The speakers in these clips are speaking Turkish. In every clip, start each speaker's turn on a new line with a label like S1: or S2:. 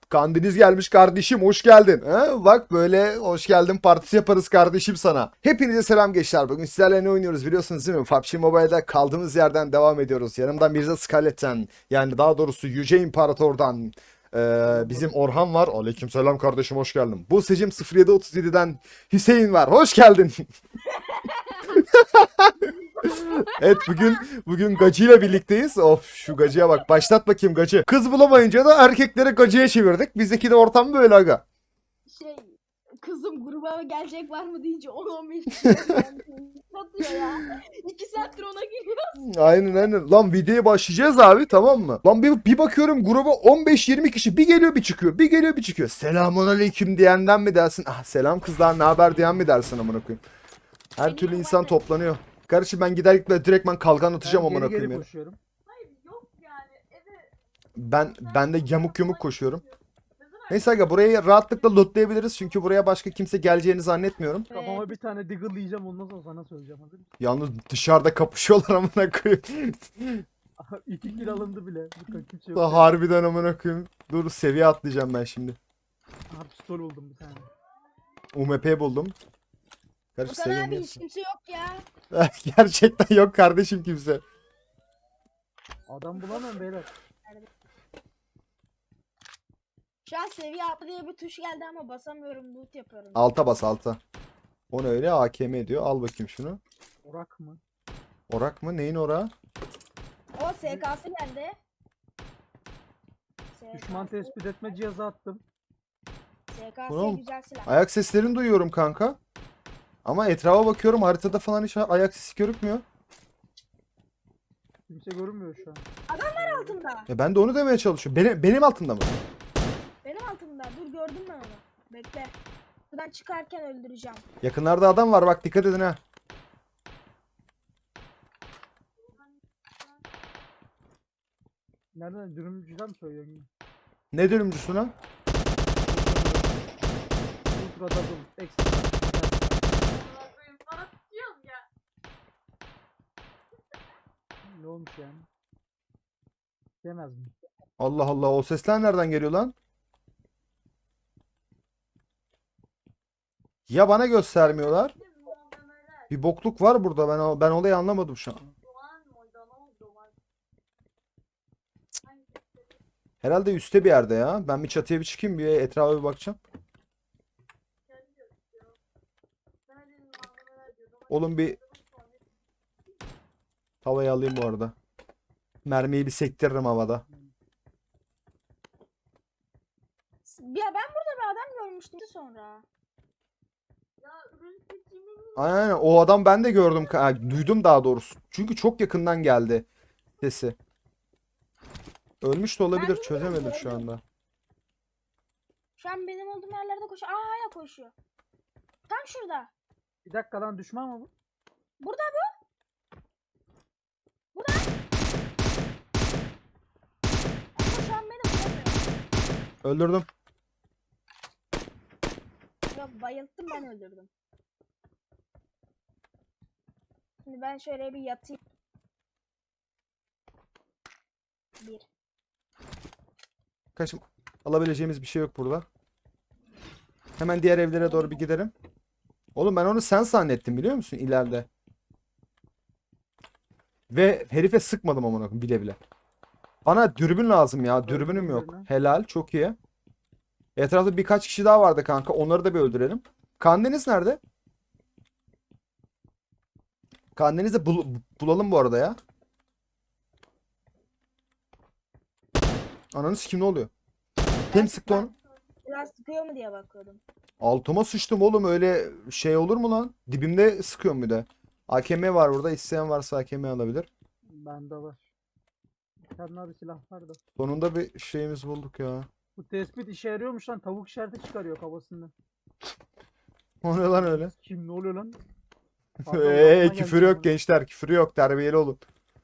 S1: Kandiniz gelmiş kardeşim, hoş geldin. Ha? Bak böyle hoş geldin partisi yaparız kardeşim sana. Hepinize selam gençler. Bugün sizlerle ne oynuyoruz biliyorsunuz değil mi? PUBG Mobile'da kaldığımız yerden devam ediyoruz. Yanımda Mirza Scarlett'ten, yani daha doğrusu Yüce İmparator'dan bizim Orhan var. Aleykümselam kardeşim, hoş geldin. Buse'cim 0737'den Hüseyin var. Hoş geldin. Evet, bugün Gacı'yla birlikteyiz. Of, şu Gacı'ya bak. Başlat bakayım Gacı. Kız bulamayınca da erkekleri Gacı'ya çevirdik. Bizdeki de ortam böyle aga.
S2: Şey, kızım gruba gelecek var mı deyince 10-15 kişi satıyor ya. 2 saattir ona giriyor.
S1: Aynen. Lan videoya başlayacağız abi, tamam mı? Lan bir bakıyorum gruba 15-20 kişi. Bir geliyor bir çıkıyor. Bir geliyor bir çıkıyor. Selamun aleyküm diyenden mi dersin? Ah selam kızlar, ne haber diyen mi dersin amına koyayım? Her türlü insan toplanıyor. Kardeşim ben gider gitme direktman kalkan atacağım amına
S3: Geri
S1: koyayım ya.
S3: koşuyorum.
S2: Hayır yok yani eve.
S1: Ben de yamuk koşuyorum. Neyse aga, burayı rahatlıkla lootlayabiliriz çünkü buraya başka kimse geleceğini zannetmiyorum.
S3: Kafama bir tane diggle yiyeceğim, ondan sonra sana söyleyeceğim. Hazır mısın?
S1: Yalnız dışarıda kapışıyorlar amına koyayım.
S3: 2 kill alındı bile. Dikkat, kimse yok.
S1: Harbiden amına koyayım. Dur, seviye atlayacağım ben şimdi.
S3: Aha, pistol buldum bir tane.
S1: UMP buldum. Kardeş
S2: Okan
S1: seviye
S2: abi
S1: mi?
S2: hiç kimse yok ya.
S1: Gerçekten yok kardeşim kimse.
S3: Adam bulamam beyler.
S2: Şu an seviye atlı diye bir tuş geldi ama basamıyorum, loot yapıyorum.
S1: Alta bas, alta. O ne öyle, AKM diyor. Al bakayım şunu.
S3: Orak mı?
S1: Orak mı? Neyin orağı?
S2: O SK'sı geldi.
S3: Düşman tespit etme cihazı attım.
S2: SK'sı
S1: Oğlum,
S2: güzel silah.
S1: Ayak seslerini duyuyorum kanka. Ama etrafa bakıyorum, haritada falan hiç ayak sesi görükmüyor.
S3: Kimse görünmüyor şu an.
S2: Altında.
S1: Ben de onu demeye çalışıyorum. Benim altımda mı?
S2: Benim altımda. Dur gördüm ben onu. Bekle. Buradan çıkarken öldüreceğim.
S1: Yakınlarda adam var, bak dikkat edin ha.
S3: Nereden? Dürümcüden mi söylüyorsun?
S1: Ne dönümcüsü lan?
S3: Ultra double. Ekstra. Ne olmuş yani? Demez mi?
S1: Allah Allah, o sesler nereden geliyor lan? Ya bana göstermiyorlar. Bir bokluk var burada, ben olayı anlamadım şu an. Herhalde üstte bir yerde ya. Ben bir çatıya bir çıkayım, bir etrafa bir bakacağım. Oğlum bir havayı alayım bu arada. Mermiyi bir sektiririm havada.
S2: Ya ben burada bir adam görmüştüm sonra.
S1: Aynen, o adam ben de gördüm. Duydum daha doğrusu. Çünkü çok yakından geldi sesi. Ölmüş de olabilir,
S2: Ben
S1: çözemedim şu
S2: bilmiyorum,
S1: anda.
S2: Şu an benim olduğum yerlerde koşuyor. Aa hala koşuyor. Tam şurada.
S3: Bir dakika lan, düşman mı bu?
S2: Burada bu. Burada. Ama şu an beni vuramıyor.
S1: Öldürdüm.
S2: Yok, bayılttım, ben öldürdüm. Şimdi ben şöyle bir yatayım. Bir.
S1: Kaçım. Alabileceğimiz bir şey yok burada. Hemen diğer evlere doğru bir gidelim. Oğlum ben onu sen zannettim biliyor musun ileride. Ve herife sıkmadım amına koyayım bile bile. Bana dürbün lazım ya. Dürbünüm yok.
S3: birini.
S1: Helal, çok iyi. Etrafta birkaç kişi daha vardı kanka. Onları da bir öldürelim. Kandeniz nerede? Kandeniz'i bulalım bu arada ya. Ananı sikim, ne oluyor? Kim sıktı onu?
S2: Biraz sıkıyor mu diye bakıyordum.
S1: Altıma sıçtım oğlum, öyle şey olur mu lan? Dibimde sıkıyorum bir de. AKM var burada. İsteyen varsa AKM alabilir.
S3: Bende var. Kendine bir silah var da.
S1: Sonunda bir şeyimiz bulduk ya.
S3: Bu tespit işe yarıyormuş lan. Tavuk işareti çıkarıyor kafasından.
S1: O ne lan öyle?
S3: Kim, ne oluyor lan? Pardon, aklıma
S1: Küfür
S3: geldi
S1: yok
S3: ama.
S1: gençler. Küfür yok. Terbiyeli olun.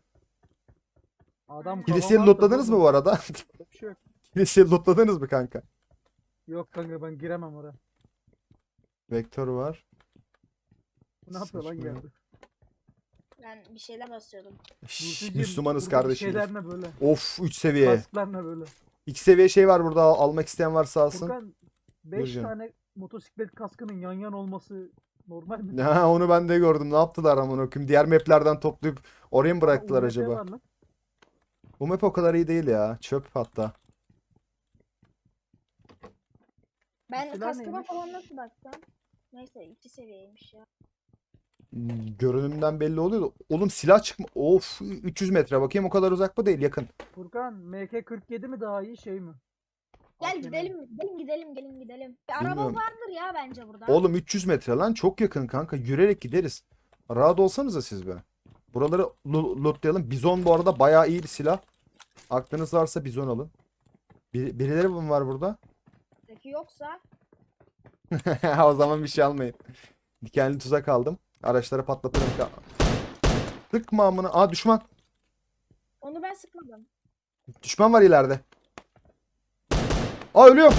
S3: Adam
S1: Kiliseyi
S3: kafama attı
S1: lootladınız mı
S3: oğlum.
S1: bu arada?
S3: Bir şey yok.
S1: Kiliseyi lootladınız mı kanka?
S3: Yok kanka, ben giremem oraya.
S1: Vektör var.
S3: Bu ne yapıyor lan
S1: Seçme.
S3: yerde?
S2: Ben bir şeyler basıyordum.
S1: Şşş,
S3: Burcucuğum,
S1: Müslümanız
S3: buradaki
S1: kardeşim.
S3: şeyler ne böyle?
S1: Of, 3 seviye.
S3: Kasklar ne böyle?
S1: İki seviye şey var burada, almak isteyen varsa alsın.
S3: Furkan 5
S1: Buyurun.
S3: tane motosiklet kaskının yan yan olması normal mi?
S1: Ha, onu ben de gördüm. Ne yaptılar amına koyayım? Diğer maplerden toplayıp oraya mı bıraktılar
S3: UMP
S1: acaba?
S3: var lan.
S1: Bu map o kadar iyi değil ya. Çöp hatta.
S2: Ben
S3: Silah
S2: kaskıma
S3: neymiş?
S2: falan nasıl baktım? Neyse 2 seviyeymiş ya.
S1: Görünümden belli oluyor da. Oğlum silah çıkma. Of, 300 metre. Bakayım, o kadar uzak mı değil, yakın.
S3: Furkan MK47 mi daha iyi şey mi?
S2: Gel
S3: AKM.
S2: gidelim. Bir araba
S1: Bilmiyorum.
S2: vardır ya bence burada.
S1: Oğlum 300 metre lan, çok yakın kanka. Yürüyerek gideriz. Rahat olsanıza siz be. Buraları lootlayalım. Bizon bu arada bayağı iyi bir silah. Aklınız varsa bizon alın. Birileri mi var burada?
S2: Peki yoksa
S1: O zaman bir şey almayın. Dikenli tuzak aldım. Araçları patlatırım. Sıkma amına. Aa, düşman.
S2: onu ben sıkmadım.
S1: Düşman var ileride. Aa, ölüyorum.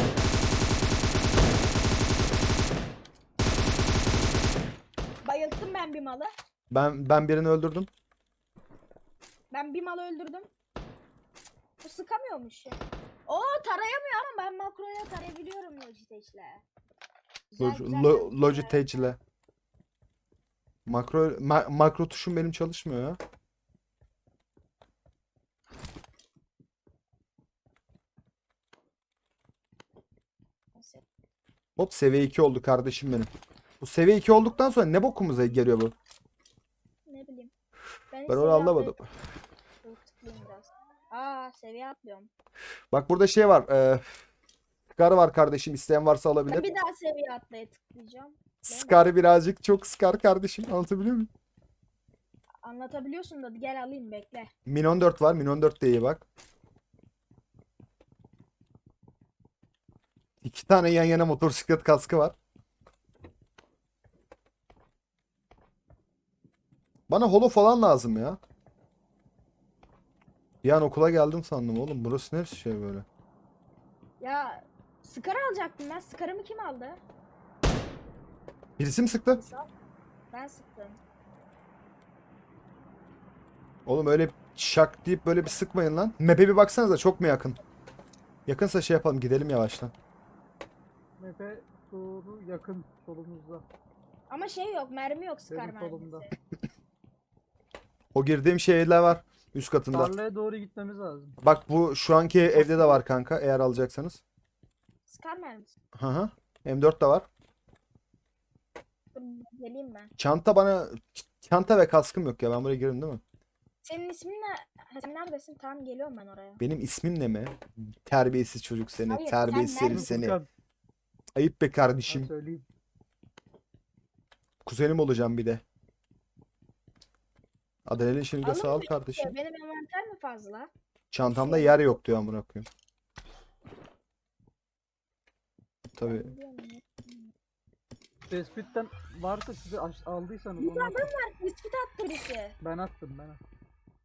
S2: Bayılttım ben bir malı.
S1: Ben birini öldürdüm.
S2: Ben bir malı öldürdüm. Bu sıkamıyormuş ya. Oo tarayamıyor ama ben makroya tarayabiliyorum Logitech'le.
S1: Logitech ile. Makro tuşum benim çalışmıyor ya. Hop, seviye 2 oldu kardeşim benim. Bu seviye 2 olduktan sonra ne bokumuza geliyor bu?
S2: Ne bileyim.
S1: Ben onu anlamadım.
S2: Tıklayayım biraz. Aa seviye atlıyorum.
S1: Bak burada şey var. Scar var kardeşim. İsteyen varsa
S2: Ben
S1: alabilir.
S2: bir daha seviye atlaya tıklayacağım.
S1: Scar birazcık çok Scar kardeşim. Anlatabiliyor muyum?
S2: Anlatabiliyorsun da gel alayım bekle.
S1: Min 14 var. Min 14 de iyi bak. İki tane yan yana motosiklet kaskı var. Bana holo falan lazım ya. Bir an okula geldim sandım oğlum. Burası ne şey böyle?
S2: Ya Scar alacaktım ben. Scar'ımı kim aldı?
S1: Birisi mi sıktı?
S2: Ben sıktım.
S1: Oğlum öyle şak deyip böyle bir sıkmayın lan. Map'e bir baksanıza, çok mu yakın? Yakınsa şey yapalım, gidelim yavaştan.
S3: MP doğru yakın solumuzda.
S2: Ama şey yok mermi yok Scar
S3: Benim solumda.
S2: mermisi.
S1: O girdiğim şeyler var üst katında.
S3: Tarlaya doğru gitmemiz lazım.
S1: Bak bu şu anki evde de var kanka, eğer alacaksanız.
S2: Scar mermisi.
S1: Hı hı. M4 de var.
S2: Dur, geleyim ben.
S1: Çanta ve kaskım yok ya, ben buraya girerim değil mi?
S2: Senin ismin ne? Ha, sen neredesin? Tamam geliyorum ben oraya.
S1: Benim ismim ne mi? Terbiyesiz çocuk seni.
S2: Hayır,
S1: Terbiyesiz
S2: sen
S1: herif
S2: neredesin?
S1: seni.
S3: Furkan,
S1: Ayıp be
S3: ben
S1: kardeşim.
S3: söyleyeyim.
S1: Kuzenim olacağım bir de. Adrenalin şimdi
S2: Alın
S1: sağ ol
S2: mı?
S1: kardeşim.
S2: Benim envanter mi fazla?
S1: Çantamda yer yok diyor amına koyayım. Tabii.
S2: Ben biliyorum ya.
S3: Tespitten varsa size aldıysanız
S2: Bir
S3: onu
S2: adam
S3: atın.
S2: var. Bisküt attı birisi.
S3: Ben attım ben attım.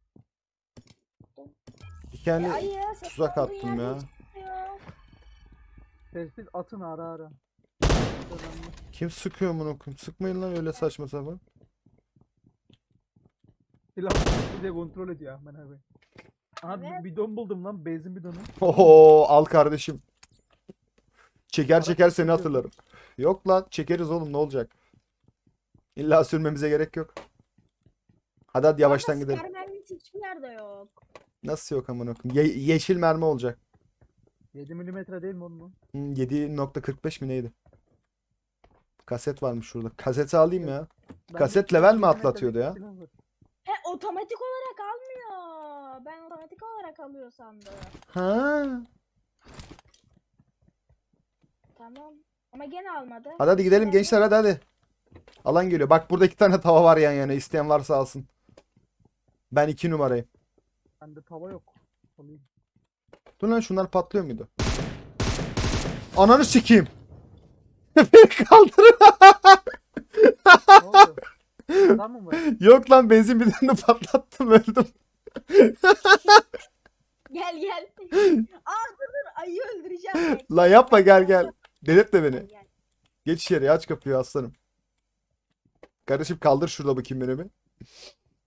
S1: Dikenli
S2: Ayı. senin
S1: tuzak
S2: olduğun
S1: attım
S2: yerde
S1: ya.
S2: hiç çıkmıyor.
S3: Tespit atın ara ara. Önemli.
S1: Kim sıkıyor amına koyayım? Sıkmayın lan öyle saçma sapan.
S3: Silah bir de kontrol ediyor ben abi. Aha
S2: Evet.
S3: bir bidon buldum lan, benzin bidonu.
S1: Oho, al kardeşim. Çeker
S3: Araç
S1: çeker seni
S3: çekiyor.
S1: hatırlarım. Yok lan, çekeriz oğlum, ne olacak? İlla sürmemize gerek yok. Hadi yavaştan
S2: Ama
S1: gidelim.
S2: Scar mermisi hiçbir yerde yok.
S1: Nasıl yok amına koyayım? Yeşil mermi olacak.
S3: 7 milimetre değil mi onun?
S1: 7.45 mi neydi? Kaset varmış şurada. Kaseti alayım ya.
S3: Bende
S1: Kaset
S3: 7
S1: level mi
S3: milimetrelik
S1: atlatıyordu ya?
S3: silah var.
S2: He otomatik olarak almıyor. Ben otomatik olarak alıyor sandım.
S1: Ha.
S2: Tamam. Ama gene almadı.
S1: Hadi gidelim gençler, hadi. Alan geliyor. Bak burada iki tane tava var yan yana. İsteyen varsa alsın. Ben 2 numarayım.
S3: Bende tava yok. Alayım.
S1: Dur lan, şunlar patlıyor muydu? Ananı sikeyim. Beni kaldırın.
S3: Ne oldu? Adam mı var?
S1: Yok lan, benzin bidonunu patlattım, öldüm.
S2: Gel. Aa dur ayıyı öldüreceğim. Bekle.
S1: Lan yapma, gel. Delirtme beni.
S2: Gel.
S1: Geç içeri, aç kapıyı aslanım. Kardeşim kaldır şurada bakayım beni bir.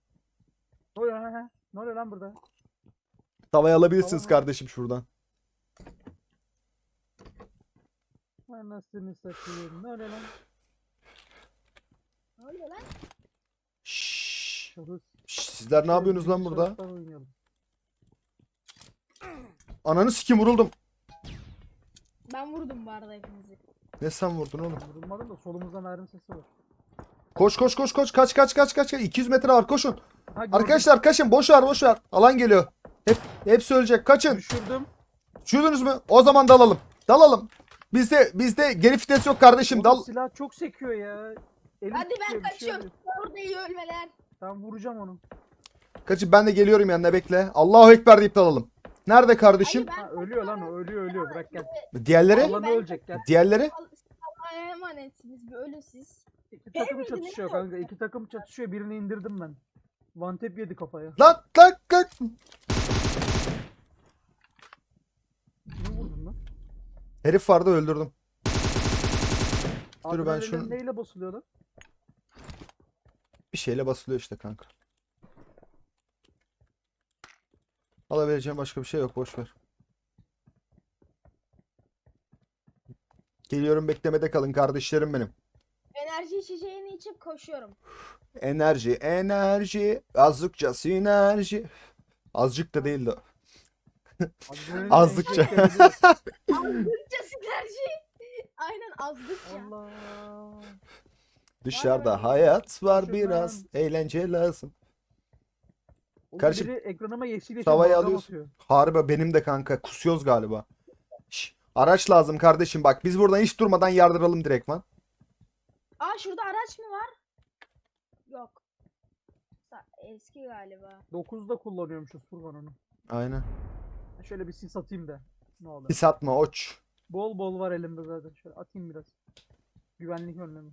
S3: Ne oluyor, he? Ne oluyor lan burada?
S1: Tavayı alabilirsiniz
S3: Tamam.
S1: kardeşim şuradan.
S3: Anasını satayım. Ne öyle lan?
S2: Ne oluyor lan?
S1: Şşş.
S3: Şahıs.
S1: Sizler ne yapıyorsunuz lan burada?
S3: Şahıslar oynayalım.
S1: Ananı sikim vuruldum.
S2: Ben vurdum bu arada hepinizi.
S1: Ne sen vurdun oğlum?
S3: Vurulmadım da solumuzdan mermi sesi var.
S1: Koş koş koş koş kaç. 200 metre var koşun.
S3: Ha, gördüm.
S1: Arkadaşlar kaçın boş ver. Alan geliyor. Hepsi ölecek kaçın.
S3: Düşürdüm.
S1: Düşürdünüz mü? O zaman dalalım. Bizde geri vites yok kardeşim
S3: Oğlum
S1: dal.
S3: silah çok sekiyor ya. Elim
S2: Hadi ben
S3: titriyor, bir şey
S2: kaçıyorum.
S3: oluyor.
S2: Orada iyi ölmeler.
S3: Ben vuracağım onu.
S1: Kaçın ben de geliyorum yanına bekle. Allahu Ekber deyip dalalım. Nerede kardeşim?
S2: Hayır,
S3: Ha, ölüyor lan o ölüyor bırak gel.
S1: Diğerleri?
S2: Hayır,
S3: Alanı
S2: ben-
S3: ölecek gel.
S1: Diğerleri?
S2: Allah'a emanetsiniz. Bir ölün siz.
S3: İki takım
S2: miydin,
S3: çatışıyor
S2: değil
S3: kanka. İki takım çatışıyor. Birini indirdim ben. One tap yedi kafaya.
S1: Lan.
S3: Kimi vurdun lan?
S1: Herif vardı öldürdüm. Dur ben
S3: Adrenalin
S1: şunu
S3: neyle basılıyor lan?
S1: bir şeyle basılıyor işte kanka. Alabileceğim başka bir şey yok boş ver. Geliyorum beklemede kalın kardeşlerim benim.
S2: Enerji içeceğini içip koşuyorum.
S1: Enerji. Azıcıkça sinerji. Azıcık da değildi o.
S3: Adrenalin
S1: Azlıkça.
S3: en çok sevdiğim-
S2: Azdıkça sinerji. Aynen azdıkça.
S3: Allah.
S1: Dışarıda hayat var
S3: Şundan.
S1: biraz. Eğlence lazım.
S3: Oğlum
S1: Kardeşim,
S3: biri ekranıma yeşil yeşil
S1: tavayı
S3: balgam
S1: alıyorsun.
S3: atıyor.
S1: Harbi benim de kanka. Kusuyoruz galiba. Şş, araç lazım kardeşim bak. Biz buradan hiç durmadan yardıralım direktman.
S2: Aa şurada araç mı var? Yok. Eski galiba.
S3: 9'da kullanıyormuşuz Furkan onu.
S1: Aynen.
S3: Şöyle bir sis atayım da. Ne olur.
S1: Pis atma oç.
S3: Bol bol var elimde zaten. Şöyle atayım biraz. Güvenlik önlemi.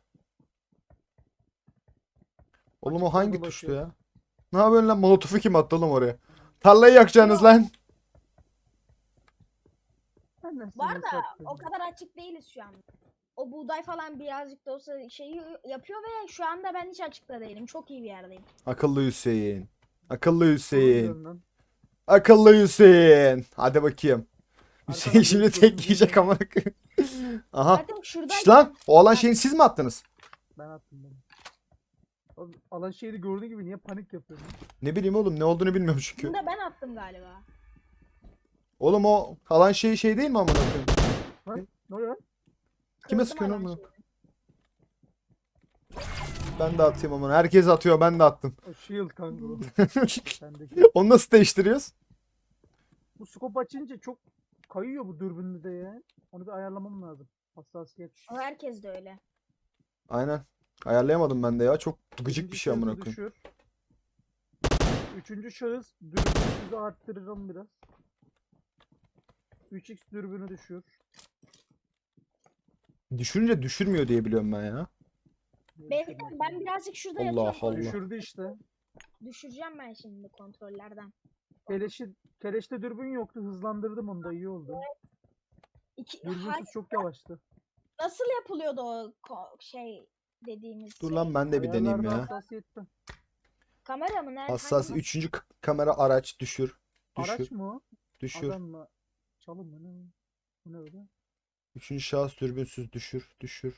S1: Oğlum o
S3: Açık
S1: hangi
S3: yolda
S1: tuştu
S3: bakıyor.
S1: ya? Ne yapıyorsun lan? Molotofu kim attı oğlum oraya? Tarlayı yakacaksınız lan.
S3: Ben de
S2: Var
S3: seni
S2: da
S3: sattım.
S2: o kadar açık değiliz şu an. O buğday falan birazcık da olsa şeyi yapıyor ve şu anda ben hiç açıkta değilim. Çok iyi bir yerdeyim.
S1: Akıllı Hüseyin. Akıllı
S3: Doğru
S1: Hüseyin.
S3: diyorsun lan.
S1: Akıllı Hüseyin. Hadi bakayım. Hüseyin
S3: Arkadan
S1: şimdi
S3: gelip
S1: tek
S3: gözümüzü
S1: yiyecek
S3: yiyeceğim.
S1: ama. Aha.
S2: Zaten şurada
S1: Şş lan. O alan şeyini siz mi attınız?
S3: Ben attım ben. Oğlum, alan şeyi gördüğü gibi niye panik yapıyorsun?
S1: Ne bileyim oğlum ne olduğunu bilmiyorum çünkü.
S2: bunu da ben attım galiba.
S1: Oğlum o alan şey değil mi amına koyayım?
S3: Ne oluyor lan?
S1: Kime
S2: Kırdım
S1: sıkıyorsun
S2: alan
S1: oğlum?
S2: şeyini.
S1: Ben de atayım amına. Herkes atıyor ben de attım.
S3: O shield kanka o. Sendeki.
S1: Onu nasıl değiştiriyoruz?
S3: Bu scope açınca çok kayıyor bu dürbünde de ya. Onu bir ayarlamam lazım. Hassasiyet.
S2: O herkes de öyle.
S1: Aynen. Ayarlayamadım ben de ya. Çok gıcık bir
S3: İkinci
S1: şey amına
S3: şahısı
S1: koyayım.
S3: düşür. Üçüncü şahıs dürbünü arttırırım biraz. 3x dürbünü düşür.
S1: Düşününce düşürmüyor diye biliyorum ben ya.
S2: Ben birazcık şurada
S1: Allah
S2: yatıyorum.
S1: Allah.
S3: Düşürdü işte.
S2: Düşüreceğim ben şimdi kontrollerden.
S3: Keleşte dürbün yoktu. Hızlandırdım onu da iyi oldu. Dürbünsüz çok yavaştı.
S2: Nasıl yapılıyordu o şey dediğimiz
S1: Dur
S2: şey?
S1: lan ben de bir deneyeyim
S3: Ayarlarda
S1: ya.
S3: hassasiyette.
S2: Kamera mı? Nerede?
S1: Hassas
S2: Hangi
S1: 3. kamera araç düşür.
S3: Araç
S1: Düşür.
S3: mı o?
S1: Düşür.
S3: Adam mı? Çalım mı? Ne? Bu ne öyle?
S1: 3. şahıs dürbünsüz düşür.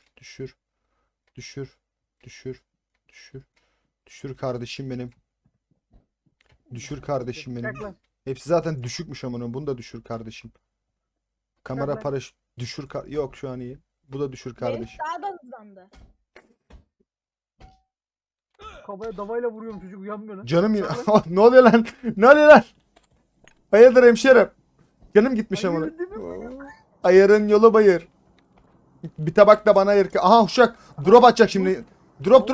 S1: Düşür kardeşim benim. Düşür kardeşim benim.
S3: Çek lan.
S1: Hepsi zaten düşükmüş amına. Bunu da düşür kardeşim. Kamera
S3: Tamam.
S1: paraşüt düşür yok şu an iyi. Bu da düşür
S2: Benim
S1: kardeşim.
S2: daha da hızlandı.
S3: Kafaya davayla vuruyorum çocuk uyanmıyor lan.
S1: Canım yine.
S3: Çek lan.
S1: Ne oluyor lan? Ne oluyor lan? Hayırdır hemşerim? Canım gitmiş amına.
S3: Hayır, değil mi?
S1: Ayarın yolu bayır. Bir tabak da bana ayır. Aha uşak. Drop atacak şimdi. Drop.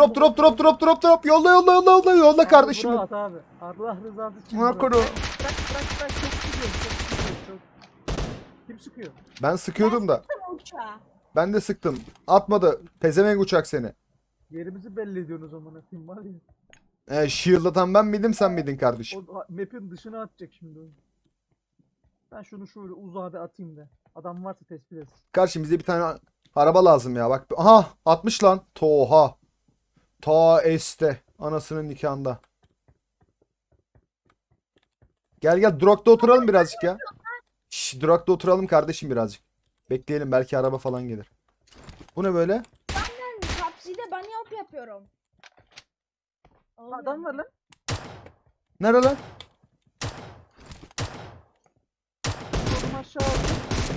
S1: Yolla kardeşim.
S3: Abi, at abi. Allah rızası için.
S1: Buna
S3: bırak.
S1: koru.
S3: Bırak. Çok sıkıyor. Çok. Kim sıkıyor?
S1: Ben sıkıyordum da.
S2: Tam uçağı.
S1: Ben de sıktım. Atmadı. Pezevenk uçak seni.
S3: Yerimizi belli ediyorsunuz o zaman. Kim var ya.
S1: Shield atan ben miydim sen miydin kardeşim?
S3: O map'in dışına atacak şimdi o. Ben şunu şöyle uzağa bir atayım da. Adam varsa tespit etsin.
S1: Kardeşim bize bir tane araba lazım ya. Bak. Aha 60 lan. Toha. Ta este. Anasının nikahında. Gel Durak'ta oturalım birazcık ya. Şş, Durak'ta oturalım kardeşim birazcık. Bekleyelim, belki araba falan gelir. Bu ne böyle?
S2: Ben PUBG'de bunny hop yapıyorum. Olmuyor
S3: Adam
S2: mu?
S3: var lan.
S1: Nerede lan?
S3: Oğlum aşağı aldım.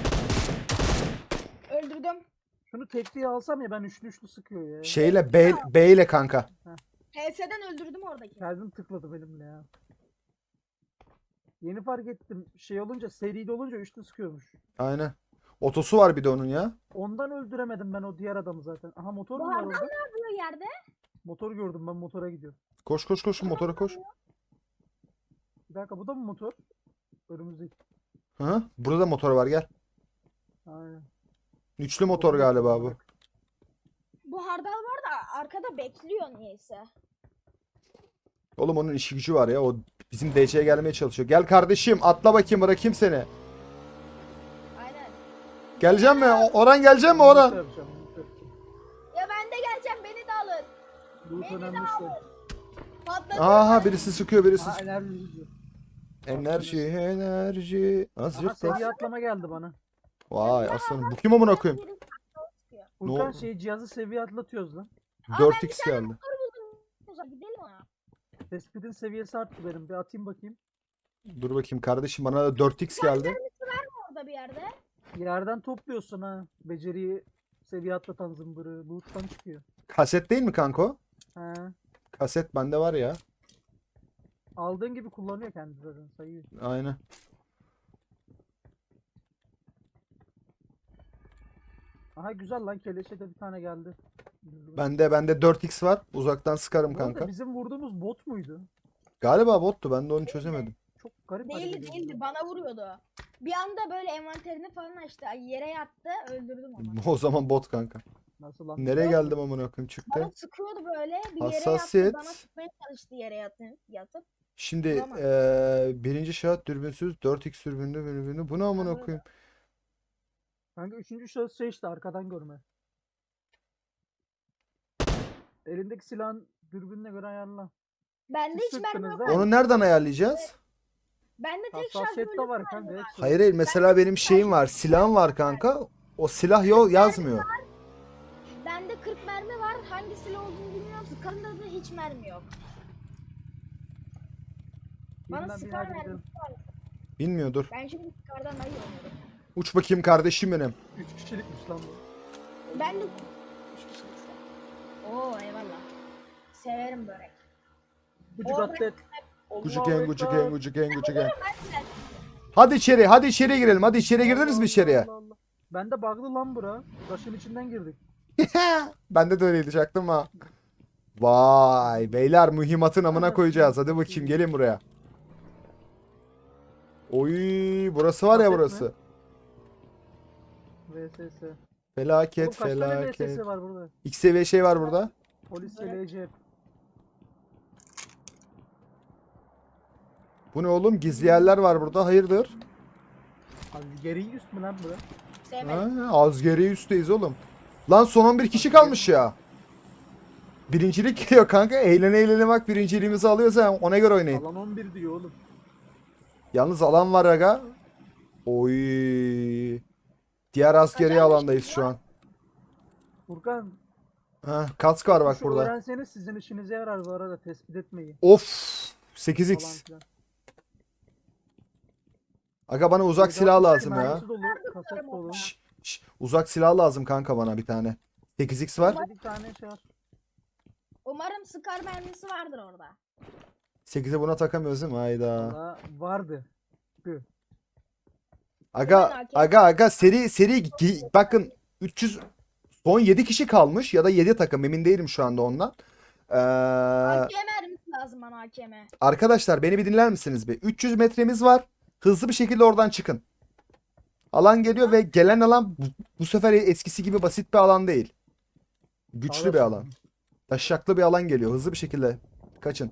S2: Öldürdüm.
S3: Şunu tekliğe alsam ya, ben üçlü sıkıyor ya.
S1: Şeyle B ile kanka.
S2: HS'den öldürdüm oradaki.
S3: Kalbim tıkladı benimle ya. Yeni fark ettim. Şey olunca, seride olunca üçlü sıkıyormuş.
S1: Aynen. Otosu var bir de onun ya.
S3: Ondan öldüremedim ben o diğer adamı zaten. Aha, motor
S2: Bu
S3: mu var
S2: adam
S3: orada?
S2: ne yapıyor yerde?
S3: Motor gördüm, ben motora gidiyorum.
S1: Koş koş koş, motora koş.
S3: Bir dakika, bu da mı motor? Önümüzdeki.
S1: Hı? Burada da motor var, gel.
S3: Aynen.
S1: Üçlü motor galiba bu.
S2: Bu hardal var da arkada bekliyor niyeyse.
S1: Oğlum onun işi gücü var ya. O bizim DC'ye gelmeye çalışıyor. Gel kardeşim, atla bakayım, bırakayım seni.
S2: Aynen.
S1: Geleceğim mi? Orhan gelecek mi
S3: Loot
S1: Orhan?
S3: yapacağım, loot yapacağım.
S2: Ya ben de geleceğim, beni de alın.
S3: Loot
S2: Beni de
S3: önemli
S2: alın.
S3: şey.
S2: Patladı.
S1: Aha, birisi sıkıyor, birisi
S3: Ha,
S1: sıkıyor.
S3: enerji gidiyor.
S1: Enerji.
S3: Aha,
S1: Azıcık da.
S3: seviye atlama geldi bana.
S1: Vay aslanım. Bu kim amına koyayım?
S2: Birisi sıkıyor.
S3: Furkan
S1: oldu?
S3: şey, cihazı seviye atlatıyoruz lan.
S1: 4x geldi.
S2: Motor buldum. Uzak gidelim ona.
S3: Tespit'in seviyesi arttı benim. Bir atayım bakayım.
S1: Dur bakayım kardeşim, bana da 4x geldi.
S2: Orada bir yerde.
S3: Yerden topluyorsun ha. Beceriyi seviye atlatan zımbırı. Loot'tan çıkıyor.
S1: Kaset değil mi kanko?
S3: He.
S1: Kaset bende var ya.
S3: Aldığın gibi kullanıyor kendi zaten, sayıyor.
S1: Aynen.
S3: Aha, güzel lan, keleşe de bir tane geldi.
S1: Bende 4x var. Uzaktan sıkarım
S3: Bu arada
S1: kanka.
S3: bizim vurduğumuz bot muydu?
S1: Galiba bottu. Ben de onu çözemedim.
S3: Çok garip hareket
S2: Değildi
S3: ediyor.
S2: değildi, bana vuruyordu. Bir anda böyle envanterini falan açtı. Yere yattı, öldürdüm onu.
S1: O zaman bot kanka.
S3: Nasıl lan?
S1: Nereye geldim amına koyayım, çıktı.
S2: Bana sıkıyordu böyle. Bir yere
S1: Hassasiyet.
S2: yattı. Bana sıkmaya çalıştı yere yatıp.
S1: Şimdi
S2: Tamam.
S1: birinci şahıs dürbünsüz 4x dürbünlü. Bu ne amına
S2: Anladım.
S1: koyayım?
S3: Kanka üçüncü şahıs şey işte, arkadan görme. Elindeki silahın dürbününe göre ayarla.
S2: Bende hiç mermi
S3: Sıktınız
S2: yok.
S3: değil mi?
S1: Onu nereden ayarlayacağız?
S2: Bende tek şarj
S3: Hassasiyet de
S2: bölümü
S3: var kanka. hepsi var.
S1: Hayır hayır, mesela benim şeyim var. Silahım var kanka. O silah yok, yazmıyor.
S2: Bende 40 mermi var. Hangi silah olduğunu bilmiyorum. Sıkarında da hiç mermi yok. Bana
S3: Bilmem,
S2: sıkar
S3: hadi
S2: mermi.
S3: gidelim.
S1: Bilmiyor, dur.
S2: Ben şimdi sıkardan ayı oynuyorum.
S1: Uç bakayım kardeşim benim.
S3: 3 kişilikmiş lan bu.
S2: Ben de 3 kişilik istedim. Oo eyvallah. Severim börek.
S3: Bucuk
S2: Orada-
S3: atlet.
S1: Gucuken gucuken gucuken gucuken.
S2: Ben de
S1: Hadi içeri girelim. Hadi içeri girdiniz mi içeriye?
S3: Ben de bug'lı lan bura. Taşın içinden girdik.
S1: Bende de öyleydi, çaktım ha. Vay beyler, mühimmatın amına koyacağız. Hadi bakayım, gelin buraya. Oy, burası var ya,
S3: Kaset mi?
S1: burası.
S3: VSS. Oğlum
S1: Felaket
S3: kaç tane
S1: felaket.
S3: VSS var burada?
S1: X seviye şey var burada.
S3: Polis
S2: Evet.
S3: LC.
S1: Bu ne oğlum? Gizli yerler var burada. Hayırdır?
S3: Abi geri üst mü lan bura?
S2: sevmedim.
S1: Ha, az geriye üstteyiz oğlum. Lan son 11 kişi kalmış ya. Birincilik geliyor kanka. Eğlene bak, birinciliğimizi alıyoruz ha. Ona göre oynayın.
S3: Alan 11 diyor oğlum.
S1: Yalnız alan var aga. Oy. Diğer askeri
S2: Acayip
S1: alandayız şu an.
S3: Furkan.
S1: Ha, kask var bak
S3: şu
S1: burada.
S3: öğrenseniz sizin işinize yarar bu arada, tespit etmeyi.
S1: Of.
S3: Falan
S1: 8x.
S3: filan.
S1: Aga bana uzak silah lazım ya.
S3: Mermisi dolu, kaset dolu.
S1: Uzak silah lazım kanka bana bir tane. 8x var.
S3: Bir tane şey var.
S2: Umarım sıkar mermisi vardır orada.
S1: 8'e buna takamıyoruz değil mi? Hayda.
S3: Valla vardı.
S1: Aga seri bakın 300 son 7 kişi kalmış ya da 7 takım, emin değilim şu anda ondan.
S2: AKM mermisi lazım bana, AKM.
S1: Arkadaşlar beni bir dinler misiniz bir? 300 metremiz var. Hızlı bir şekilde oradan çıkın. Alan geliyor ve gelen alan bu sefer eskisi gibi basit bir alan değil. Güçlü bir alan. Taşaklı bir alan geliyor. Hızlı bir şekilde kaçın.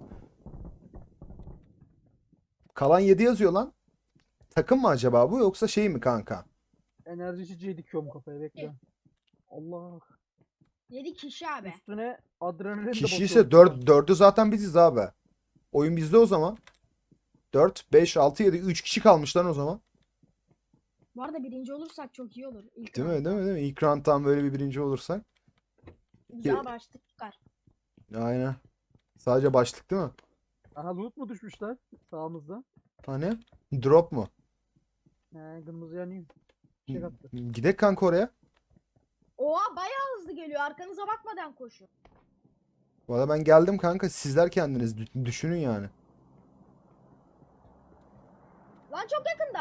S1: Kalan 7 yazıyor lan. Takım mı acaba bu, yoksa şey mi kanka?
S3: Enerji içeceği dikiyorum kafaya, bekle. Allah.
S2: 7 kişi abi.
S3: Üstüne adrenalin de
S1: Kişi
S3: basıyorum.
S1: ise 4'ü zaten biziz abi. Oyun bizde o zaman. 4, 5, 6, 7, 3 kişi kalmış lan o zaman.
S2: Bu arada birinci olursak çok iyi olur. İlk
S1: Değil mi?
S2: round.
S1: Değil mi? Değil mi? İlk round'dan böyle bir birinci olursak.
S2: Güzel başlık çıkar.
S1: Aynen. Sadece başlık değil mi?
S3: Aha loot mu düşmüşler sağımızda?
S1: Hani? Drop mu?
S3: He kırmızı yanıyor. Şey attı.
S1: Gidek kanka oraya.
S2: Oha bayağı hızlı geliyor. Arkanıza bakmadan koşun.
S1: Valla ben geldim kanka. Sizler kendiniz düşünün yani.
S2: Lan çok yakında.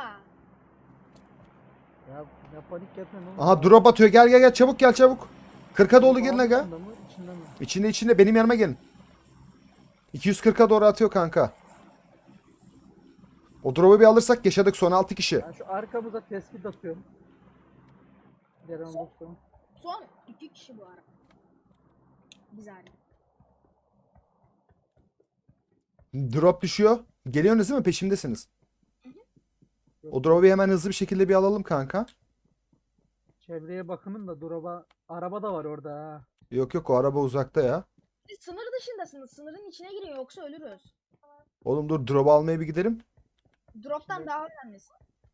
S3: Ya panik yapma oğlum.
S1: Aha drop atıyor. Gel gel gel. Çabuk gel çabuk. 40'a doğru gelin aga.
S3: Ağzında mı, içinde mi?
S1: İçinde benim yanıma gelin. 240'a doğru atıyor kanka. O drop'u bir alırsak yaşadık son 6 kişi.
S3: Ben şu arkamıza tespit atıyorum. Gelen olursa.
S2: Son 2 kişi bu ara. Güzel.
S1: Drop düşüyor. Geliyorsunuz değil mi? Peşimdesiniz. O drop'u hemen hızlı bir şekilde bir alalım kanka.
S3: Çevreye bakının da drop'a. Araba da var orada ha.
S1: Yok yok o araba uzakta ya.
S2: Siz sınır dışındasınız. Sınırın içine girin yoksa ölürüz.
S1: Oğlum dur drop'u almaya bir gidelim.
S2: Drop'tan
S3: Şimdi-
S2: daha önemlisi.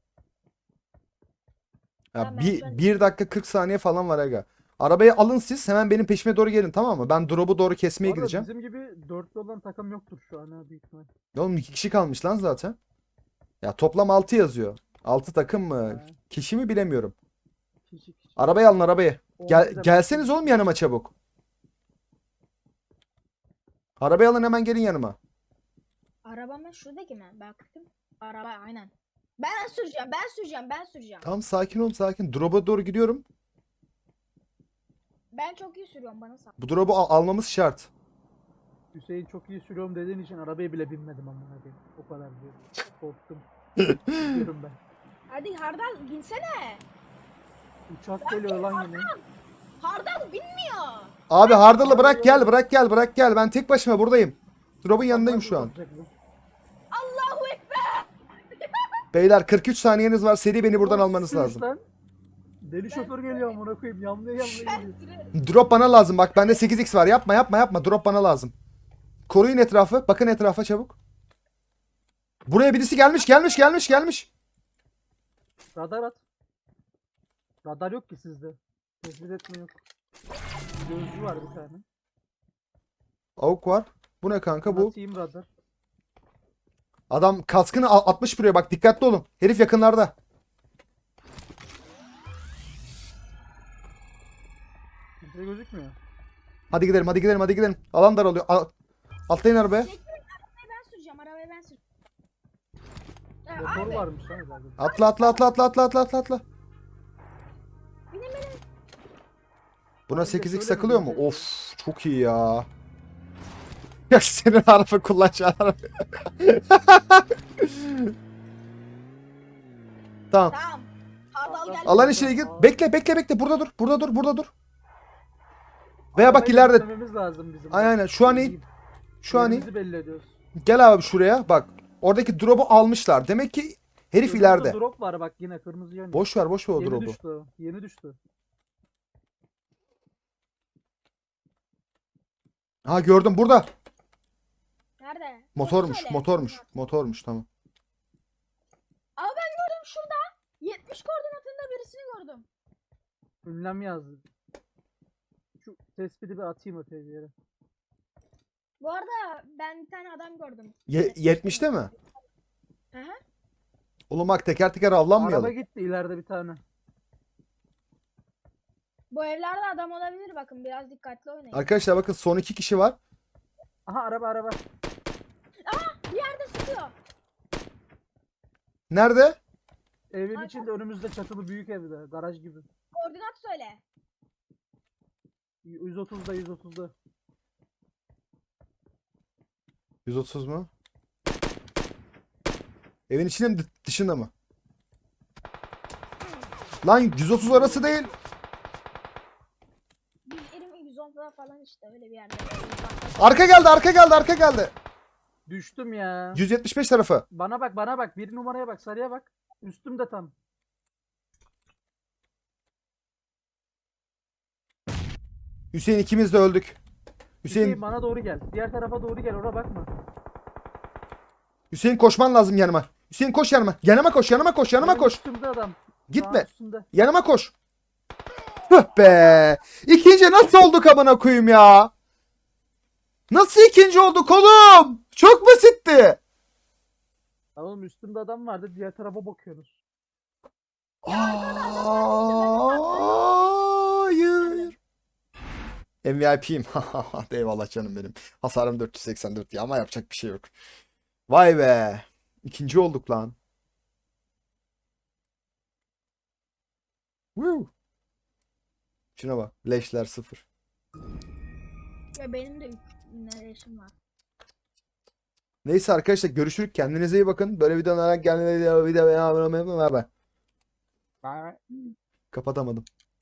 S1: Ya
S2: Tamam,
S1: bir,
S2: ben-
S1: 1 dakika 40 saniye falan var aga. Arabayı alın siz hemen benim peşime doğru gelin tamam mı? Ben drop'u doğru kesmeye
S3: Bu arada
S1: gideceğim.
S3: bizim gibi dörtlü olan takım yoktur şu an ha büyük ihtimal.
S1: Oğlum 2 kişi kalmış lan zaten. Ya toplam 6 yazıyor. 6 takım mı?
S3: Ha.
S1: Kişi mi bilemiyorum.
S3: Kişi.
S1: Arabayı alın arabayı.
S3: Olmaz hemen.
S1: Gelseniz oğlum yanıma çabuk. Arabayı alın hemen gelin yanıma.
S2: Araba mı? Şuradaki mi? Baktım. Araba aynen. Ben süreceğim.
S1: Tamam sakin ol sakin. Drop'a doğru gidiyorum.
S2: Ben çok iyi sürüyorum bana sal.
S1: Bu drop'u almamız şart.
S3: Hüseyin çok iyi sürüyorum dediğin için arabaya bile binmedim amına koyayım. O kadar diyor. Korktum. Gidiyorum ben.
S2: Hadi Hardal binsene.
S3: Uçak geliyor lan yine.
S2: Hardal binmiyor.
S1: Abi hardalı bırak gel. Ben tek başıma buradayım. Drop'un yanındayım şu an.
S2: Allahu Ekber.
S1: Beyler 43 saniyeniz var. Seri beni buradan
S3: Oğlum,
S1: almanız
S3: sürüş
S1: lazım.
S3: lan. Deli şoför geliyor amına koyayım. Yamlaya
S2: Ben
S3: geliyor.
S2: sürerim.
S1: Drop bana lazım. Bak bende 8x var. Yapma. Drop bana lazım. Koruyun etrafı. Bakın etrafa çabuk. Buraya birisi gelmiş.
S3: Radar at. Radar yok ki sizde. Tespit etme yok. Gözcü var bir tane.
S1: Avuk var. Bu ne kanka bu?
S3: Atayım radar.
S1: Adam kaskını atmış buraya. Bak dikkatli olun. Herif yakınlarda.
S3: Kimse gözükmüyor.
S1: Hadi gidelim. Alan daralıyor. Atlayın arabaya.
S2: Arabayı ben süreceğim. Ya
S3: Motor
S2: abi,
S3: varmış lan herhalde.
S1: Atla.
S2: benim
S1: Buna
S3: Abi de
S1: 8x
S3: şöyle bir
S1: takılıyor mu?
S3: gösterelim.
S1: Of çok iyi ya. Ya senin araba kullanacağın araba. Tamam.
S2: tamam. Hardal geldi.
S1: Alan içine gir. Bekle. Burada dur. Veya bak
S3: Arabayı
S1: ileride.
S3: göstermemiz lazım bizim.
S1: Aynen. Şu an iyi. Şu an iyi.
S3: Yerimizi belli ediyoruz.
S1: Gel abi şuraya. Bak. Oradaki drop'u almışlar. Demek ki herif
S3: Kırmızı
S1: ileride.
S3: drop var bak yine kırmızı yanıyor.
S1: Boş ver o
S3: Yeni
S1: drop'u.
S3: düştü. Yeni düştü.
S1: Ha gördüm burada.
S2: Nerede?
S1: Motormuş.
S2: Söyle.
S1: Motormuş tamam.
S2: Ama ben gördüm şurada. 70 koordinatında birisini gördüm.
S3: Ünlem yazdı. Şu tespiti bir atayım öteye bir yere.
S2: Bu arada ben bir tane adam gördüm.
S1: 70'te mi?
S2: Hı hı.
S1: Oğlum bak teker teker
S3: Araba
S1: avlanmayalım.
S3: gitti ileride bir tane.
S2: Bu evlerde adam olabilir bakın biraz dikkatli oynayın.
S1: Arkadaşlar bakın son 2 kişi var.
S3: Aha araba.
S2: Bir yerde sıkıyor.
S1: Nerede?
S3: Evin
S2: Ay,
S3: içinde önümüzde çatılı büyük evde. Garaj gibi.
S2: Koordinat söyle.
S3: 130'da 130'da.
S1: 130 mu? Evin içinde mi dışında mı? Lan 130 arası değil.
S2: 120 110 falan işte öyle bir yerde.
S1: Arka geldi.
S3: Düştüm ya.
S1: 175 tarafı.
S3: Bana bak. Bir numaraya bak. Sarıya bak. Üstümde tam.
S1: Hüseyin ikimiz de öldük.
S3: Hüseyin
S1: Hüseyin
S3: bana doğru gel. Diğer tarafa doğru gel. Oraya bakma.
S1: Hüseyin koşman lazım yanıma. Hüseyin koş yanıma. Yanıma koş.
S3: Benim üstümde adam.
S1: Gitme.
S3: Üstünde.
S1: Yanıma koş. Hıh be. İkinci nasıl olduk amına koyayım ya? Nasıl ikinci olduk oğlum? Çok basitti.
S3: Lan oğlum üstümde adam vardı. Diğer tarafa bakıyorsunuz.
S1: Hayır. MVP'yim. Eyvallah canım benim. Hasarım 484 ya ama yapacak bir şey yok. Vay be. İkinci olduk lan. Woo. Şuna bak. Leşler 0.
S2: Ya benim de 3 yaşım var.
S1: Neyse arkadaşlar görüşürük. Kendinize iyi bakın. Böyle videolara gelmeyi video. Kapatamadım.